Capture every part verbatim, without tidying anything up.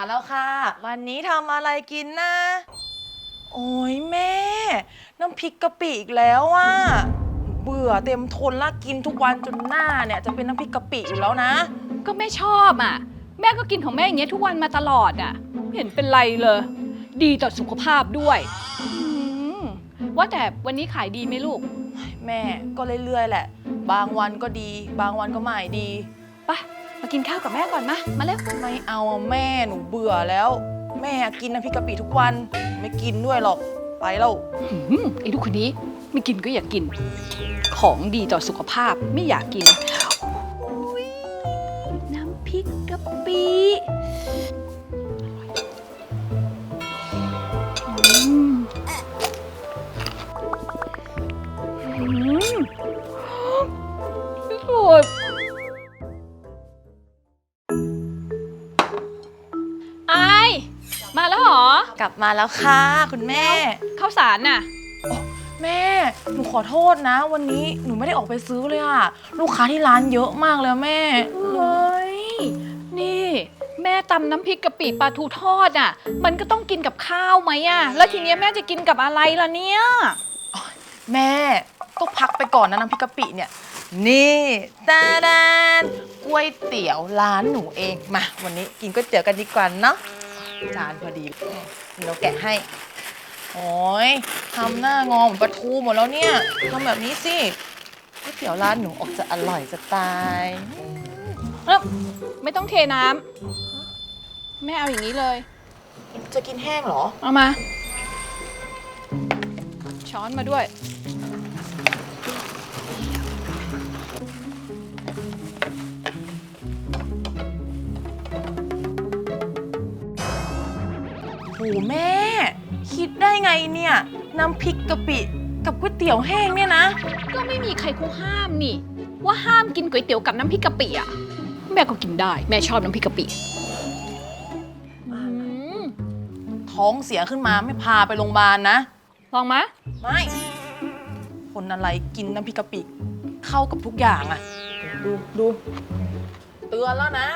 มาแล้วค่ะวันนี้ทำอะไรกินนะโอ้ยแม่น้ำพริกกะปิอีกแล้วอ่ะเบื่อเต็มทนละกินทุกวันจนหน้าเนี่ยจะเป็นน้ำพริกกะปิอยู่แล้วนะก็แม่ชอบอ่ะแม่ก็กินของแม่อย่างเงี้ยทุกวันมาตลอดอ่ะไม่เห็นเป็นไรเลยดีต่อสุขภาพด้วยว่าแต่วันนี้ขายดีไหมลูกแม่ก็เรื่อยๆแหละบางวันก็ดีบางวันก็ไม่ดีไปมากินข้าวกับแม่ก่อนมามาเร็วไม่เอาแม่หนูเบื่อแล้วแม่กินน้ำพริกกะปิทุกวันไม่กินด้วยหรอกไปแล้วไอ้ลูกคนนี้ไม่กินก็อยากกินของดีต่อสุขภาพไม่อยากกินน้ำพริกกะปิสวยไอมาแล้วเหรอกลับมาแล้วค่ะคุณแม่ข้าวสารน่ะแม่หนูขอโทษนะวันนี้หนูไม่ได้ออกไปซื้อเลยอะลูกค้าที่ร้านเยอะมากเลยแม่เฮ้ยนี่แม่ตำน้ำพริกกะปิปลาทูทอดอ่ะมันก็ต้องกินกับข้าวไหมอ่ะแล้วทีนี้แม่จะกินกับอะไรล่ะเนี่ยแม่ก็พักไปก่อนนะน้ำพริกกะปิเนี่ยนี่ตาดานก๋วยเตี๋ยวร้านหนูเองมาวันนี้กินก๋วยเตี๋ยวกันดีกว่าเนาะจานพอดีเราแกะให้โอ้ยทำหน้างอเหมือนปลาทูหมดแล้วเนี่ยทำแบบนี้สิก๋วยเตี๋ยวร้านหนูออกจะอร่อยจะตายไม่ต้องเทน้ำแม่เอาอย่างนี้เลยจะกินแห้งเหรอเอามาช้อนมาด้วยโหแม่คิดได้ไงเนี่ยน้ำพริกกะปิกับก๋วยเตี๋ยวแห้งเนี่ยนะก็ไม่มีใครเขาห้ามนี่ว่าห้ามกินก๋วยเตี๋ยวกับน้ำพริกกะปิอ่ะแม่ก็กินได้แม่ชอบน้ำพริกกะปิท้องเสียขึ้นมาไม่พาไปโรงพยาบาลนะลองมะไม่คนอะไรกินน้ำพริกกะปิเข้ากับทุกอย่างอ่ะดูดูเตือนแล้วนะ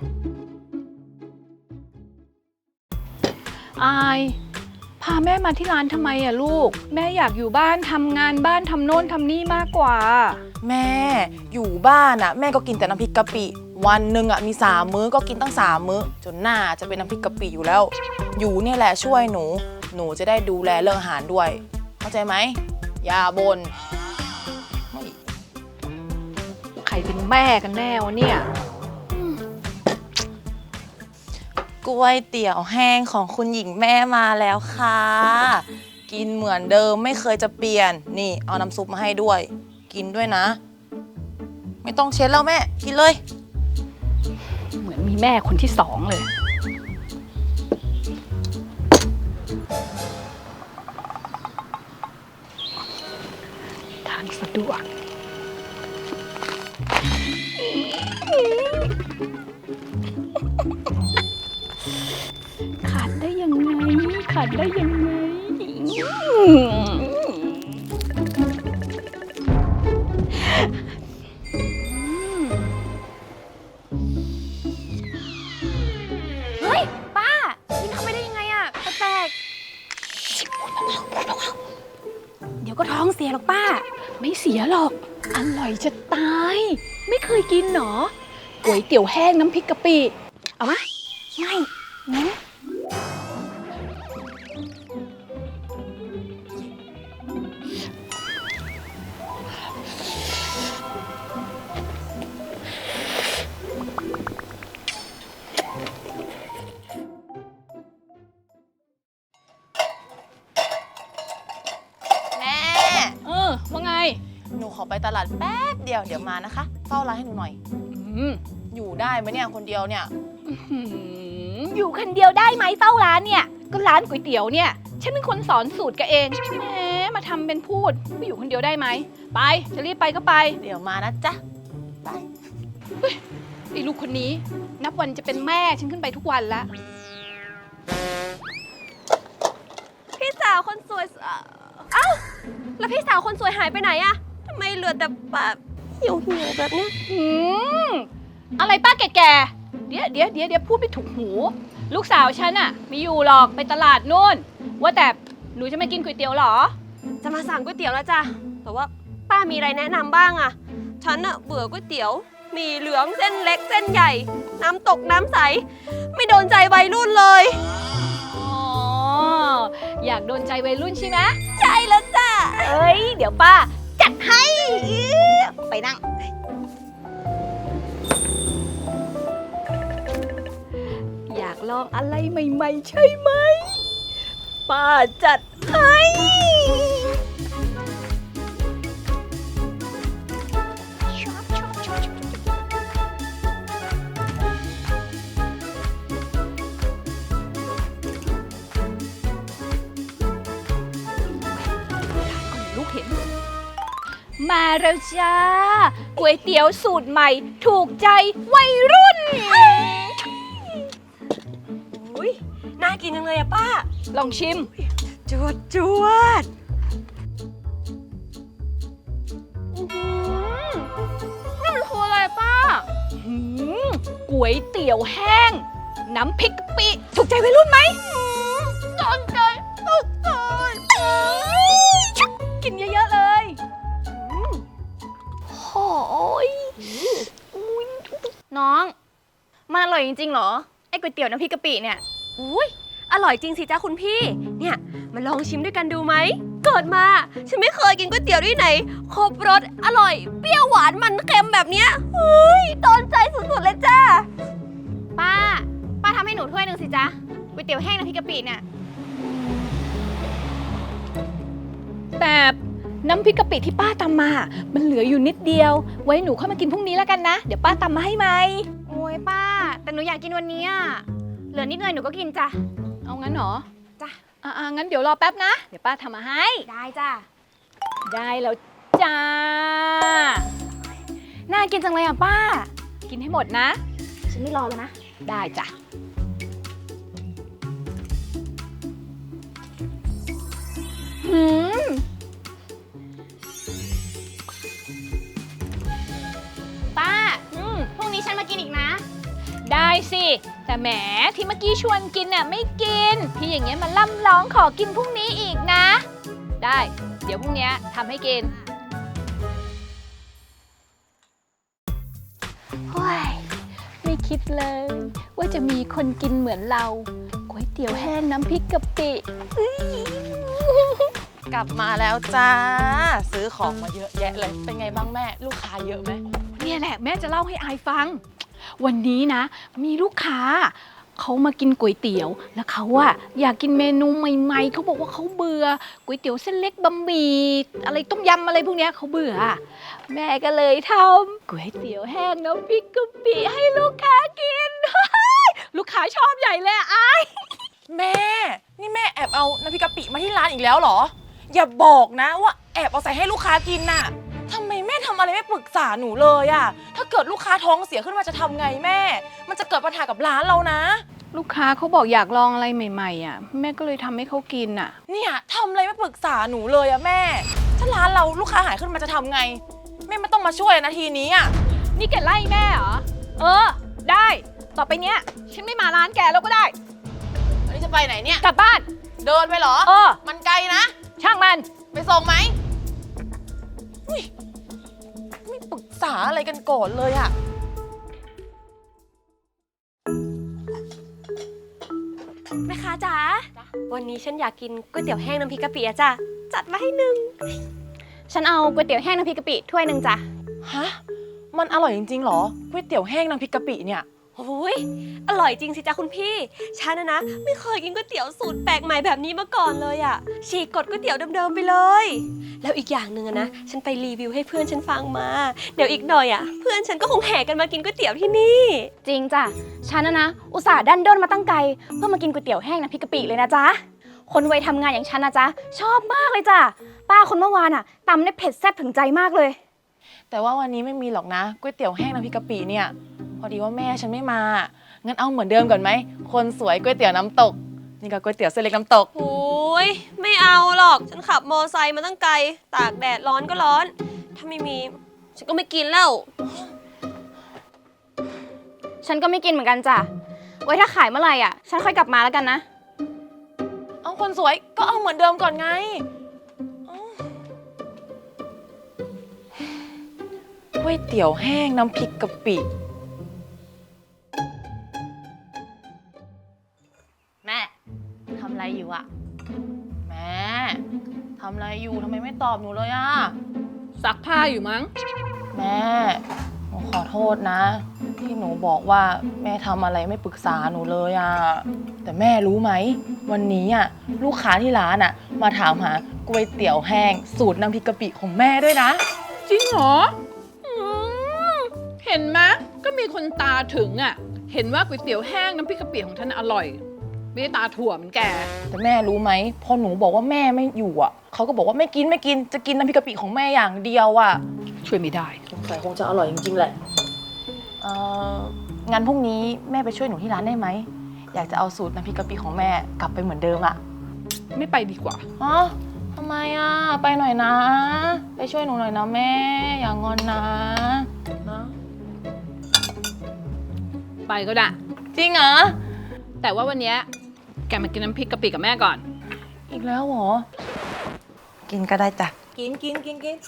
อายพาแม่มาที่ร้านทำไมอะลูกแม่อยากอยู่บ้านทำงานบ้านทำโน่นทำนี่มากกว่าแม่อยู่บ้านอะแม่ก็กินแต่น้ำพริกกะปิวันหนึ่งอะมีสามมื้อก็กินตั้งสามมื้อจนหน้าจะเป็นน้ำพริกกะปิอยู่แล้วอยู่เนี่ยแหละช่วยหนูหนูจะได้ดูแลเรื่องอาหารด้วยเข้าใจไหมอย่าบ่นใครเป็นแม่กันแน่วะเนี่ยก๋วยเตี๋ยวแห้งของคุณหญิงแม่มาแล้วค่ะกินเหมือนเดิมไม่เคยจะเปลี่ยนนี่เอาน้ำซุปมาให้ด้วยกินด้วยนะไม่ต้องเช็ดแล้วแม่กินเลยเหมือนมีแม่คนที่สองเลยทานสะดวกขาดได้ยังไงขาดได้ยังไงเฮ้ยป้ากินเข้าไปได้ยังไงอะแปลกเดี๋ยวก็ท้องเสียหรอกป้าไม่เสียหรอกอร่อยจะตายไม่เคยกินหรอก๋วยเตี๋ยวแห้งน้ำพริกกะปิเอาไหมไม่งั้นเออว่าไงหนูขอไปตลาดแป๊บเดียวเดี๋ยวมานะคะเฝ้าร้านให้หนูหน่อยอืมอยู่ได้ไหมเนี่ยคนเดียวเนี่ยอยู่คนเดียวได้ไหมเฝ้าร้านเนี่ยก็ร้านก๋วยเตี๋ยวเนี่ยฉันเป็นคนสอนสูตรแกเองแหมมาทำเป็นพูดไม่อยู่คนเดียวได้ไหมไปจะรีบไปก็ไปเดี๋ยวมานะจ๊ะไปไอ้ลูกคนนี้นับวันจะเป็นแม่ฉันขึ้นไปทุกวันละพี่สาวคนสวยเอ้าแล้วพี่สาวคนสวยหายไปไหนอะทำไมเหลือแต่แบบเหี่ยวๆแบบเนี้ยอะไรป้าแก่ๆเดี๋ยวเดี๋ยวเดี๋ยวเดี๋ยวพูดไม่ถูกหูลูกสาวฉันอะไม่อยู่หรอกไปตลาดนู่น ว่าแต่หนูจะมากินก๋วยเตี๋ยวเหรอจะมาสั่งก๋วยเตี๋ยวแล้วจ้ะแต่ว่าป้ามีอะไรแนะนำบ้างอะฉันอะเบื่อก๋วยเตี๋ยวหมี่เหลืองเส้นเล็กเส้นใหญ่ น้ำตกน้ำใส ไม่โดนใจวัยรุ่นเลยอ๋อ อยากโดนใจวัยรุ่นใช่ไหมใช่แล้วจ้ะเอ้ย เดี๋ยวป้าจัดให้ไปนั่ง อยากลองอะไรใหม่ๆใช่ไหม ป้าจัดให้ ลูกเห็น มาแล้วจ้าก๋วยเตี๋ยวสูตรใหม่ ถูกใจวัยรุ่นอุ้ยน่ากินจังเลยอะป้าลองชิมจวดจวดอื้อหือนี่มันคืออะไรป้าหืมก๋วยเตี๋ยวแห้ง น้ำพริกกะปิถูกใจวัยรุ่นไหมโดนใจถูกใจกินเยอะๆเลยโอ้ยน้อง มันอร่อยจริงๆเหรอ ไอ้ก๋วยเตี๋ยวน้ำพริกกะปิเนี่ยอุ้ยอร่อยจริงสิจ้าคุณพี่ เนี่ยมาลองชิมด้วยกันดูไหม เกิดมาฉันไม่เคยกินก๋วยเตี๋ยวที่ไหน ครบรสอร่อย เปรี้ยวหวานมันเค็มแบบเนี้ยเฮ้ยโดนใจสุดๆเลยจ้าป้า ป้าทำให้หนูถ้วยหนึ่งสิจ๊ะ ก๋วยเตี๋ยวแห้งน้ำพริกกะปิเนี่ยแต่น้ำพริกกะปิที่ป้าตำมา มันเหลืออยู่นิดเดียว ไว้หนูเข้ามากินพรุ่งนี้แล้วกันนะ เดี๋ยวป้าตำมาให้ไหมโอ้ยป้า แต่หนูอยากกินวันนี้อะเหลือนิดหน่อยหนูก็กินจ้ะเอางั้นเหรอจ้ะอ่างั้นเดี๋ยวรอแป๊บนะ เดี๋ยวป้าทำมาให้ได้จ้ะได้แล้วจ้าน่ากินจังเลยอ่ะป้ากินให้หมดนะฉันไม่รอแล้วนะได้จ้ะหืม ป้าอืมพรุ่งนี้ฉันมากินอีกนะได้สิ แต่แหมที่เมื่อกี้ชวนกินน่ะไม่กิน ที่อย่างเงี้ยมาล่ำร้องขอกินพรุ่งนี้อีกนะ ได้ เดี๋ยวพรุ่งนี้ทำให้กินโอ้ยไม่คิดเลย ว่าจะมีคนกินเหมือนเราก๋วยเตี๋ยวแห้งน้ำพริกกะปิอื้อกลับมาแล้วจ้า ซื้อของมาเยอะแยะเลย เป็นไงบ้างแม่ ลูกค้าเยอะไหมเนี่ยแหละแม่จะเล่าให้อายฟัง วันนี้นะ มีลูกค้า เขามากินก๋วยเตี๋ยว แล้วเขาอะอยากกินเมนูใหม่ๆเขาบอกว่าเขาเบื่อก๋วยเตี๋ยวเส้นเล็กบะหมี่อะไรต้มยำอะไรพวกเนี้ยเขาเบื่อ แม่ก็เลยทำก๋วยเตี๋ยวแห้งน้ำพริกกะปิให้ลูกค้ากิน ลูกค้าชอบใหญ่เลยอะอายแม่ นี่แม่แอบเอาน้ำพริกกะปิมาที่ร้านอีกแล้วเหรอ อย่าบอกนะว่าแอบเอาใส่ให้ลูกค้ากินน่ะทำไมแม่ทำอะไรไม่ปรึกษาหนูเลยอะถ้าเกิดลูกค้าท้องเสียขึ้นมาจะทำไงแม่ มันจะเกิดปัญหากับร้านเรานะลูกค้าเขาบอกอยากลองอะไรใหม่ๆอ่ะแม่ก็เลยทำให้เขากินอ่ะเนี่ยทำอะไรไม่ปรึกษาหนูเลยอะแม่ ถ้าร้านเราลูกค้าหายขึ้นมาจะทำไง แม่ไม่ต้องมาช่วยนะทีนี้อะนี่แกไล่แม่เหรอ เออ ได้ ต่อไปเนี้ย ฉันไม่มาร้านแกแล้วก็ได้อันนี้จะไปไหนเนี่ยกลับบ้านเดินไปเหรอเออมันไกลนะช่างมันไปส่งไหมอุ๊ยไม่ปรึกษาอะไรกันก่อนเลยอะแม่ค้าจ๋า วันนี้ฉันอยากกินก๋วยเตี๋ยวแห้งน้ำพริกกะปิอะจ้ะ จัดมาให้หนึ่งฉันเอาก๋วยเตี๋ยวแห้งน้ำพริกกะปิถ้วยหนึ่งจ้ะฮะ มันอร่อยจริงๆเหรอก๋วยเตี๋ยวแห้งน้ำพริกกะปิเนี่ยโอ้ยอร่อยจริงสิจ้าคุณพี่ ฉันนะนะไม่เคยกินก๋วยเตี๋ยวสูตรแปลกใหม่แบบนี้มาก่อนเลยอะฉีกกฎก๋วยเตี๋ยวเดิมๆไปเลย แล้วอีกอย่างหนึ่งอะนะ ฉันไปรีวิวให้เพื่อนฉันฟังมา เดี๋ยวอีกหน่อยอะเพื่อนฉันก็คงแห่กันมากินก๋วยเตี๋ยวที่นี่จริงจ้ะ ฉันนะนะ อุตส่าห์ดันด้นมาตั้งไกลเพื่อมากินก๋วยเตี๋ยวแห้งน้ำพริกกะปิเลยนะจ๊ะ คนวัยทำงานอย่างฉันนะจ๊ะ ชอบมากเลยจ้ะ ป้าคนเมื่อวานอะตำได้เผ็ดแซ่บถึงใจมากเลยแต่ว่าวันนี้ไม่มีหรอกนะก๋วยเตี๋ยวแห้งน้ำพริกกะปิเนี่ย พอดีว่าแม่ฉันไม่มา งั้นเอาเหมือนเดิมก่อนไหม คนสวยก๋วยเตี๋ยวน้ำตก นี่ก็ก๋วยเตี๋ยวเส้นเล็กน้ำตกโอ้ยไม่เอาหรอก ฉันขับมอไซค์มาตั้งไกล ตากแดดร้อนก็ร้อน ถ้าไม่มี ฉันก็ไม่กินแล้วฉันก็ไม่กินเหมือนกันจ้ะไว้ถ้าขายเมื่อไหร่อ่ะ ฉันค่อยกลับมาแล้วกันนะเอาคนสวยก็เอาเหมือนเดิมก่อนไงเอ้าก๋วยเตี๋ยวแห้งน้ำพริกกะปิ แม่ทำอะไรอยู่อะแม่ทำอะไรอยู่ทำไมไม่ตอบหนูเลยอะซักผ้าอยู่มั้งแม่หนูขอโทษนะ ที่หนูบอกว่าแม่ทำอะไรไม่ปรึกษาหนูเลยอะแต่แม่รู้ไหมวันนี้อะลูกค้าที่ร้านอะมาถามหาก๋วยเตี๋ยวแห้งสูตรน้ำพริกกะปิของแม่ด้วยนะจริงเหรออืมเห็นไหมก็มีคนตาถึงอ่ะ เห็นว่าก๋วยเตี๋ยวแห้งน้ำพริกกะปิของท่านอร่อย ไม่ได้ตาถั่วเหมือนแกแต่แม่รู้ไหมพอหนูบอกว่าแม่ไม่อยู่อะเขาก็บอกว่าไม่กินไม่กินจะกินน้ำพริกกะปิของแม่อย่างเดียวอะช่วยไม่ได้สงสัยคงจะอร่อยจริงๆแหละเอ่องั้นพรุ่งนี้แม่ไปช่วยหนูที่ร้านได้ไหมอยากจะเอาสูตรน้ำพริกกะปิของแม่กลับไปเหมือนเดิมอะไม่ไปดีกว่าอ๋อทำไมอะไปหน่อยนะ ไปช่วยหนูหน่อยนะแม่ อย่างอนนะนะไปก็ได้จริงเหรอแต่ว่าวันเนี้ยแกมากินน้ำพริกกะปิกับแม่ก่อนอีกแล้วเหรอ กินก็ได้จ้ะ กินกินกินกิน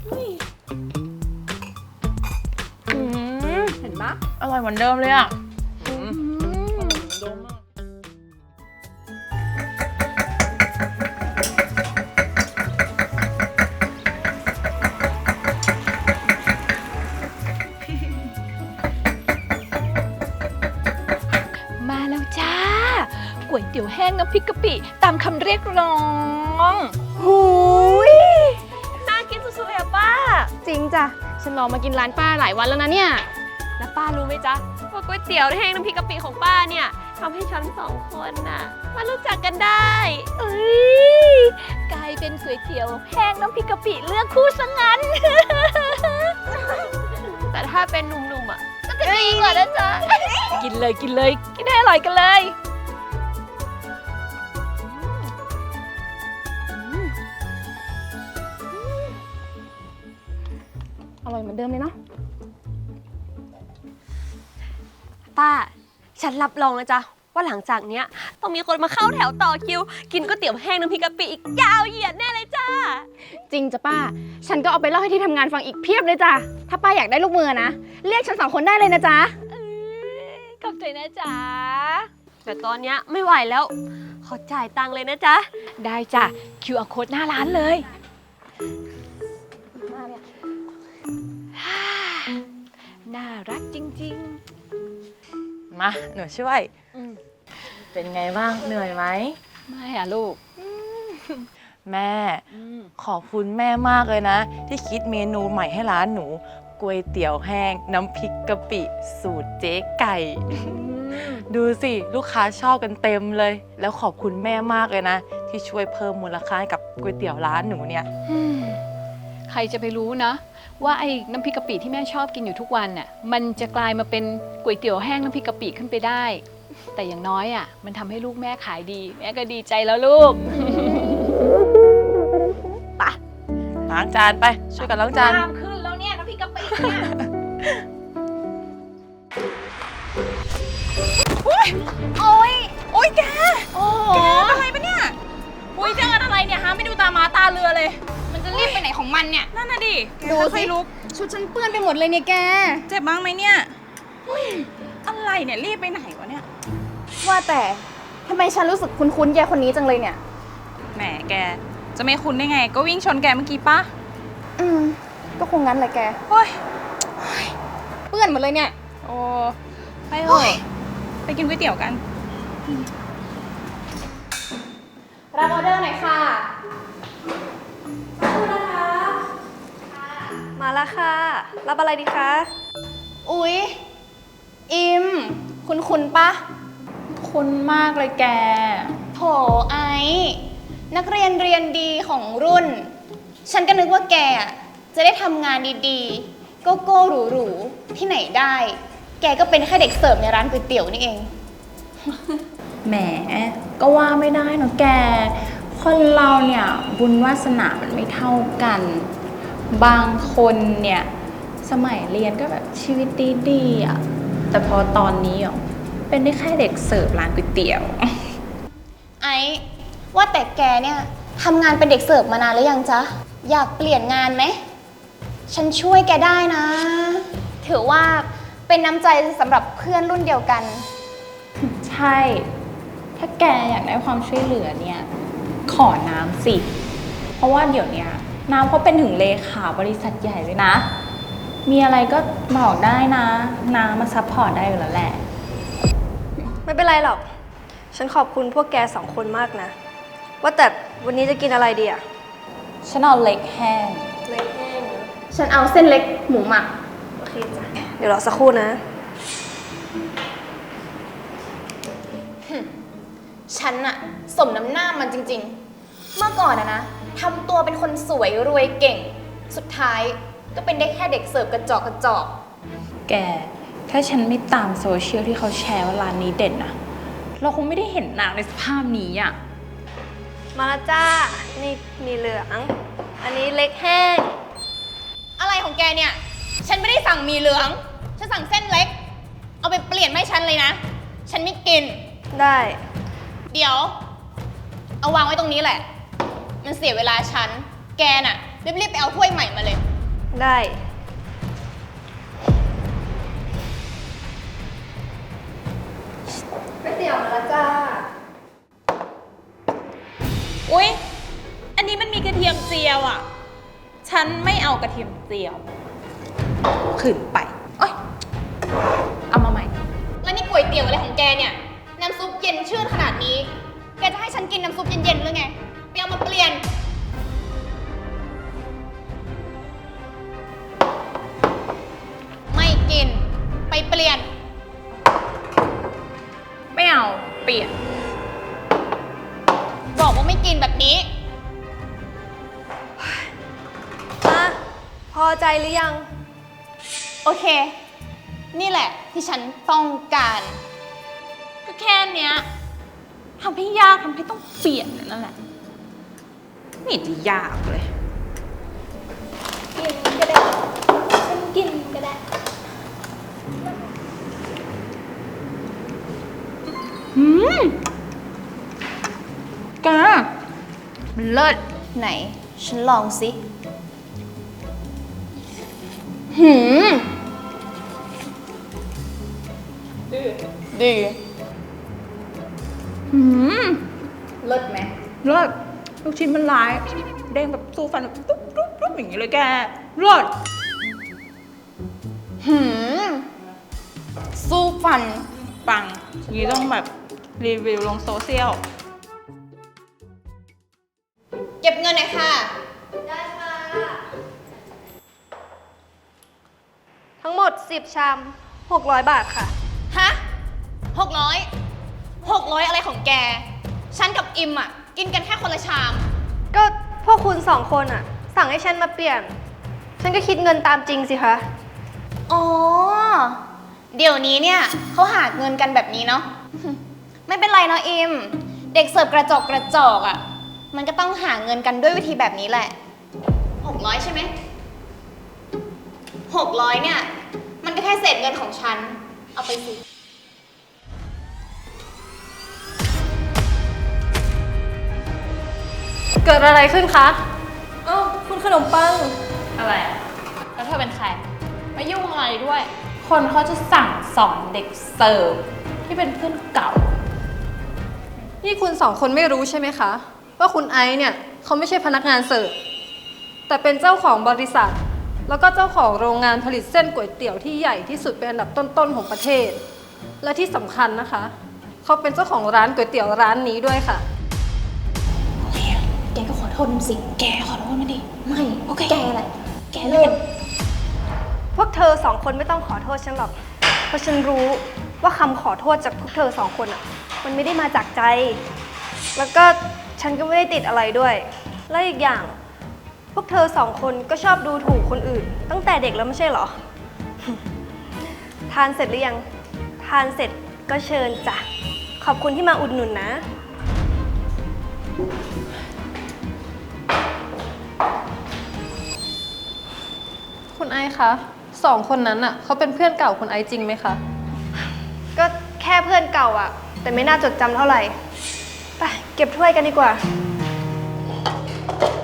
อืมเห็นไหมอร่อยเหมือนเดิมเลยอะอืมอืมเดิมมากมาแล้วจ้าก๋วยเตี๋ยวแห้งน้ำพริกกะปิตามคำเรียกร้องหูยน่ากินสุดๆเลยอะป้าจริงจ้ะ ฉันรอมากินร้านป้าหลายวันแล้วนะเนี่ยแล้วป้ารู้ไหมจ๊ะว่าก๋วยเตี๋ยวแห้งน้ำพริกกะปิของป้าเนี่ยทำให้ฉันสองคนน่ะมารู้จักกันได้เอ้ยกลายเป็นก๋วยเตี๋ยวแห้งน้ำพริกกะปิเลือกคู่ซะงั้นแต่ถ้าเป็นหนุ่มๆอ่ะก็จะดีกว่านะจ๊ะกินเลยกินเลย กินให้อร่อยกันเลยอร่อยเหมือนเดิมเลยเนาะป้า ฉันรับรองนะจ๊ะว่าหลังจากเนี้ยต้องมีคนมาเข้าแถวต่อคิว กินก๋วยเตี๋ยวแห้งน้ำพริกกะปิอีกยาวเหยียดแน่เลยจ้าจริงจ้ะป้า ฉันก็เอาไปเล่าให้ที่ทำงานฟังอีกเพียบเลยจ้ะ ถ้าป้าอยากได้ลูกมือนะ เรียกฉันสองคนได้เลยนะจ๊ะขอบใจนะจ๊ะแต่ตอนเนี้ยไม่ไหวแล้ว ขอจ่ายตังค์เลยนะจ๊ะได้จ้ะ คิว อาร์ Code หน้าร้านเลย น่ารักจริงมาหนูช่วยๆอืมเป็นไงบ้าง เหนื่อยไหมไม่อะลูกแม่อืมขอบคุณแม่มากเลยนะ ที่คิดเมนูใหม่ให้ร้านหนูก๋วยเตี๋ยวแห้งน้ำพริกกะปิ สูตรเจ๊ไก่ ดูสิลูกค้าชอบกันเต็มเลย แล้วขอบคุณแม่มากเลยนะ ที่ช่วยเพิ่มมูลค่าให้กับก๋วยเตี๋ยวร้านหนูเนี่ยอืมใครจะไปรู้นะ ว่าไอ้น้ำพริกกะปิที่แม่ชอบกินอยู่ทุกวันน่ะมันจะกลายมาเป็นก๋วยเตี๋ยวแห้งน้ำพริกกะปิขึ้นไปได้ แต่อย่างน้อยอ่ะมันทำให้ลูกแม่ขายดี แม่ก็ดีใจแล้วลูกล้างจานไป ช่วยกันล้างจานตามขึ้นแล้วเนี่ยน้ำพริกกะปิเนี่ยโอ๊ย โอ๊ยแกโอ้โหอะไรปะเนี่ยอุ้ยเจอกันอะไรเนี่ยฮะไม่ดูตามาตาเรือเลยมันจะรีบไปไหนของมันเนี่ยนั่นน่ะดิดูสิค่อยๆลุกชุดฉันเปื้อนไปหมดเลยเนี่ยแกเจ็บบ้างไหมเนี่ยอุ๊ยอะไรเนี่ยรีบไปไหนวะเนี่ยว่าแต่ทำไมฉันรู้สึกคุ้นๆแกคนนี้จังเลยเนี่ยแหมแก จะไม่คุ้นได้ไง ก็วิ่งชนแกเมื่อกี้ปะอืม ก็คงงั้นแหละแกเฮ้ยเปื้อนหมดเลยเนี่ยโอ้ไปเถอะไปกินก๋วยเตี๋ยวกันรับออเดอร์หน่อยค่ะมาแล้วค่ะ รับอะไรดีคะอุ๊ย อิม คุณคุณปะคุ้นมากเลยแกโถไอซ์นักเรียนเรียนดีของรุ่น ฉันก็นึกว่าแกอะจะได้ทำงานดีๆ โกโก้หรูๆ ที่ไหนได้ แกก็เป็นแค่เด็กเสิร์ฟในร้านก๋วยเตี๋ยวนี่เองแหม ก็ว่าไม่ได้เนอะแก คนเราเนี่ย บุญวาสนามันไม่เท่ากัน บางคนเนี่ย สมัยเรียนก็แบบชีวิตดีๆอ่ะ แต่พอตอนนี้อ่ะเป็นได้แค่เด็กเสิร์ฟร้านก๋วยเตี๋ยวไอ้ว่าแต่แกเนี่ยทำงานเป็นเด็กเสิร์ฟมานานหรือยังจ๊ะ อยากเปลี่ยนงานไหม ฉันช่วยแกได้นะ ถือว่าเป็นน้ำใจสำหรับเพื่อนรุ่นเดียวกันใช่ ถ้าแกอยากได้ความช่วยเหลือเนี่ย ขอน้ำสิ เพราะว่าเดี๋ยวเนี้ยน้ำเขาเป็นถึงเลขาบริษัทใหญ่เลยนะ มีอะไรก็บอกได้นะ น้ำมาซัพพอร์ตได้อยู่แล้วแหละไม่เป็นไรหรอก ฉันขอบคุณพวกแกสองคนมากนะ ว่าแต่วันนี้จะกินอะไรดีอะฉันเอาเล็กแห้งเล็กแห้งฉันเอาเส้นเล็กหมูหมักโอเคจ้ะ เดี๋ยวรอสักครู่นะฉันอะสมน้ำหน้ามันจริงๆ เมื่อก่อนอะนะทำตัวเป็นคนสวยรวยเก่ง สุดท้ายก็เป็นได้แค่เด็กเสิร์ฟกระจอกกระจอกแก ถ้าฉันไม่ตามโซเชียลที่เขาแชร์ว่าร้านนี้เด่นนะเราคงไม่ได้เห็นนางในสภาพนี้อ่ะมาแล้วจ้า นี่มีเหลือง อันนี้เล็กแห้งอะไรของแกเนี่ย ฉันไม่ได้สั่งหมีเหลือง ฉันสั่งเส้นเล็ก เอาไปเปลี่ยนไม่ฉันเลยนะ ฉันไม่กินได้เดี๋ยว เอาวางไว้ตรงนี้แหละ มันเสียเวลาฉัน แกน่ะรีบๆไปเอาถ้วยใหม่มาเลยได้ ก๋วยเตี๋ยวมาแล้วจ้าอุ๊ย อันนี้มันมีกระเทียมเจียวอ่ะ ฉันไม่เอากระเทียมเจียว ขืนไปโอ๊ย เอามาใหม่แล้วนี่ก๋วยเตี๋ยวอะไรของแกเนี่ย น้ำซุปเย็นชื่นขนาดนี้ แกจะให้ฉันกินน้ำซุปเย็นๆหรือไงไปเอามาเปลี่ยน ไม่กิน ไปเปลี่ยนไม่เอา เปลี่ยนบอกว่าไม่กินแบบนี้มาพอใจหรือยังโอเค นี่แหละที่ฉันต้องการก็แค่เนี้ยทำให้ยากทำให้ต้องเปลี่ยนนั่นแหละ ไม่เห็นจะยากเลยกินก็ได้ ฉันกินก็ได้อืมแกมันเลิศไหน ฉันลองสิ หืม ดีอืมเลิศไหมเลิศลูกชิ้นมันลาย เด้งแบบสู้ฟันแบบตุ๊บตุ๊บตุ๊บอย่างนี้เลยแกเลิศหืม สู้ฟันปังอย่างนี้ต้องแบบรีวิวลงโซเชียลเก็บเงินหน่อยค่ะทั้งหมดสิบชามหกร้อยบาทค่ะฮะหกร้อยหกร้อยอะไรของแก ฉันกับอิมอ่ะ กินกันแค่คนละชามก็พวกคุณสองคนอะสั่งให้ฉันมาเปลี่ยน ฉันก็คิดเงินตามจริงสิคะอ๋อ เดี๋ยวนี้เนี่ยเขาหาเงินกันแบบนี้เนาะ ไม่เป็นไรเนาะอิม เด็กเสิร์ฟกระจอกกระจอกอะ่ะ มันก็ต้องหาเงินกันด้วยวิธีแบบนี้แหละหกร้อยใช่ไหมหกร้อยเนี่ย มันก็แค่เศษเงินของฉัน เอาไปสิเกิดอะไรขึ้นคะ เอ้าคุณขนมปังอะไรอะแล้วเธอเป็นใครมายุ่งอะไรด้วย คนเขาจะสั่งสอนเด็กเสิร์ฟที่เป็นเพื่อนเก่านี่คุณสองคนไม่รู้ใช่ไหมคะ ว่าคุณไอซ์เนี่ยเขาไม่ใช่พนักงานเสิร์ฟแต่เป็นเจ้าของบริษัท แล้วก็เจ้าของโรงงานผลิตเส้นก๋วยเตี๋ยวที่ใหญ่ที่สุดเป็นอันดับต้นๆของประเทศ และที่สำคัญนะคะเขาเป็นเจ้าของร้านก๋วยเตี๋ยวร้านนี้ด้วยค่ะแกก็ขอโทษมันสิ แกขอโทษมันดิ ไม่ โอเค แกแหละ แกเล่นพวกเธอสองคนไม่ต้องขอโทษฉันหรอก เพราะฉันรู้ว่าคำขอโทษจากพวกเธอสองคนอ่ะ มันไม่ได้มาจากใจ แล้วก็ฉันก็ไม่ได้ติดอะไรด้วย และอีกอย่าง พวกเธอสองคนก็ชอบดูถูกคนอื่น ตั้งแต่เด็กแล้วไม่ใช่เหรอ ทานเสร็จหรือยัง ทานเสร็จก็เชิญจ้ะ ขอบคุณที่มาอุดหนุนนะคุณไอซ์คะสองคนนั้นอ่ะเขาเป็นเพื่อนเก่าคุณไอซ์จริงไหมคะก็แค่ค่เพื่อนเก่าอะแต่ไม่น่าจดจำเท่าไหร่ ไปเก็บถ้วยกันดีกว่า